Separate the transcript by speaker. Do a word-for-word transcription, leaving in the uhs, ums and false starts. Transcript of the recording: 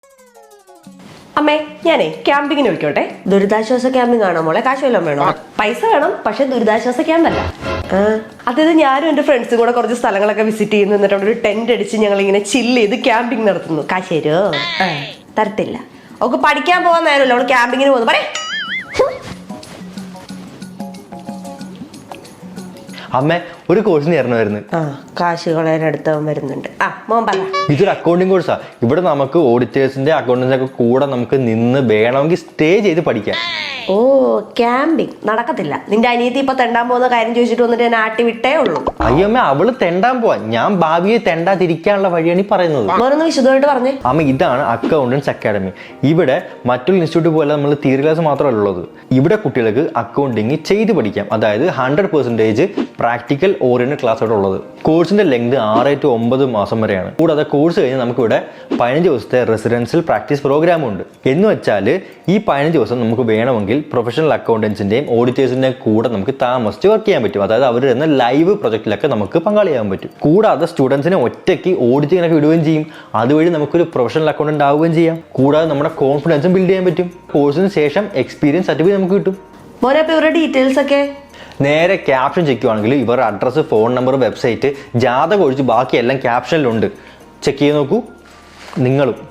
Speaker 1: അമ്മേ ഞാനേ ക്യാമ്പിങ്ങിന് വിളിക്കോട്ടെ.
Speaker 2: ദുരിതാശ്വാസ ക്യാമ്പിംഗ് ആണോ മോളെ? കാശ് വല്ലതും വേണോ?
Speaker 1: പൈസ വേണം, പക്ഷെ ദുരിതാശ്വാസ ക്യാമ്പല്ല. അതായത് ഞാനും എന്റെ ഫ്രണ്ട്സും കൂടെ കുറച്ച് സ്ഥലങ്ങളൊക്കെ വിസിറ്റ് ചെയ്യുന്നു. എന്നിട്ട് അവിടെ ഒരു ടെന്റ് അടിച്ച് ഞങ്ങൾ ഇങ്ങനെ ചില്ല് ചെയ്ത് ക്യാമ്പിംഗ് നടത്തുന്നു.
Speaker 2: കാശ് തരുമോ? തരത്തില്ല.
Speaker 1: അവൾക്ക് പഠിക്കാൻ പോകാൻ നേരമല്ലോ, അവള് ക്യാമ്പിങ്ങിന് പോകുന്നു. പറയേ
Speaker 3: അമ്മ ഒരു കോഴ്സിന് ചേർന്നായിരുന്നു.
Speaker 2: ആ കാശ് കളയാനടുത്തവൻ വരുന്നുണ്ട്. ആ മോൻ പറ.
Speaker 3: ഇതൊരു അക്കൗണ്ടിങ് കോഴ്സാ. ഇവിടെ നമുക്ക് ഓഡിറ്റേഴ്സിന്റെ അക്കൗണ്ടൻസിന്റെ ഒക്കെ കൂടെ നമുക്ക് നിന്ന് വേണമെങ്കിൽ സ്റ്റേ ചെയ്ത് പഠിക്കാം.
Speaker 2: ഓ ക്യാമ്പിംഗ് നടക്കത്തില്ല. നിന്റെ അനിയത്തി ഇപ്പൊ തെണ്ടാൻ പോകുന്ന കാര്യം ചോദിച്ചിട്ട് വന്നിട്ട് ഞാൻ ആട്ടി വിട്ടേ ഉള്ളൂ.
Speaker 3: അയ്യമ്മ അവള് തെണ്ടാൻ പോവാ, ഞാൻ ഭാവിയെ തെണ്ടാതിരിക്കാനുള്ള വഴിയാണ് ഈ പറയുന്നത്.
Speaker 2: മോനൊന്ന് വിശദമായിട്ട് പറഞ്ഞേ.
Speaker 3: അമ്മ ഇതാണ് അക്കൗണ്ടൻസ് അക്കാഡമി. ഇവിടെ മറ്റുള്ള ഇൻസ്റ്റിറ്റ്യൂട്ട് പോലെ നമ്മൾ തിയറി ക്ലാസ് മാത്രമല്ല ഉള്ളത്. ഇവിടെ കുട്ടികൾക്ക് അക്കൗണ്ടിങ് ചെയ്ത് പഠിക്കാം. അതായത് hundred percentage practical oriented class ആണ് ഉള്ളത്. കോഴ്സിന്റെ ലെങ്ത് ആറ് ടു ഒമ്പത് മാസം വരെയാണ്. കൂടാതെ കോഴ്സ് കഴിഞ്ഞ് നമുക്ക് ഇവിടെ പതിനഞ്ച് ദിവസത്തെ റെസിഡൻഷ്യൽ പ്രാക്ടീസ് പ്രോഗ്രാമും ഉണ്ട്. എന്ന് വെച്ചാൽ ഈ പതിനഞ്ച് ദിവസം നമുക്ക് വേണമെങ്കിൽ പ്രൊഫഷണൽ അക്കൗണ്ടൻസിന്റെയും ഓഡിറ്റേഴ്സിന്റെയും കൂടെ നമുക്ക് താമസിച്ച് വർക്ക് ചെയ്യാൻ പറ്റും. അതായത് അവർ തരുന്ന ലൈവ് പ്രൊജക്റ്റിലൊക്കെ നമുക്ക് പങ്കാളിയാകാൻ പറ്റും. കൂടാതെ സ്റ്റുഡൻസിനെ ഒറ്റയ്ക്ക് ഓഡിറ്റിങ്ങിനൊക്കെ വിടുകയും ചെയ്യും. അതുവഴി നമുക്കൊരു പ്രൊഫഷണൽ അക്കൗണ്ടന്റ് ആവുകയും ചെയ്യാം. കൂടാതെ നമ്മുടെ കോൺഫിഡൻസും ബിൽഡ് ചെയ്യാൻ പറ്റും. കോഴ്സിന് ശേഷം എക്സ്പീരിയൻസ് സർട്ടിഫിക്കറ്റ് നമുക്ക് കിട്ടും.
Speaker 2: മോനെ അപ്പൊ ഇവരുടെ ഡീറ്റെയിൽസ് ഒക്കെ
Speaker 3: നേരെ ക്യാപ്ഷൻ ചെക്ക് ചെയ്യുവാണെങ്കിൽ ഇവരുടെ അഡ്രസ്സ്, ഫോൺ നമ്പർ, വെബ്സൈറ്റ്, ജാതകം ഒഴിച്ച് ബാക്കിയെല്ലാം ക്യാപ്ഷനിലുണ്ട്. ചെക്ക് ചെയ്ത് നോക്കൂ നിങ്ങളും.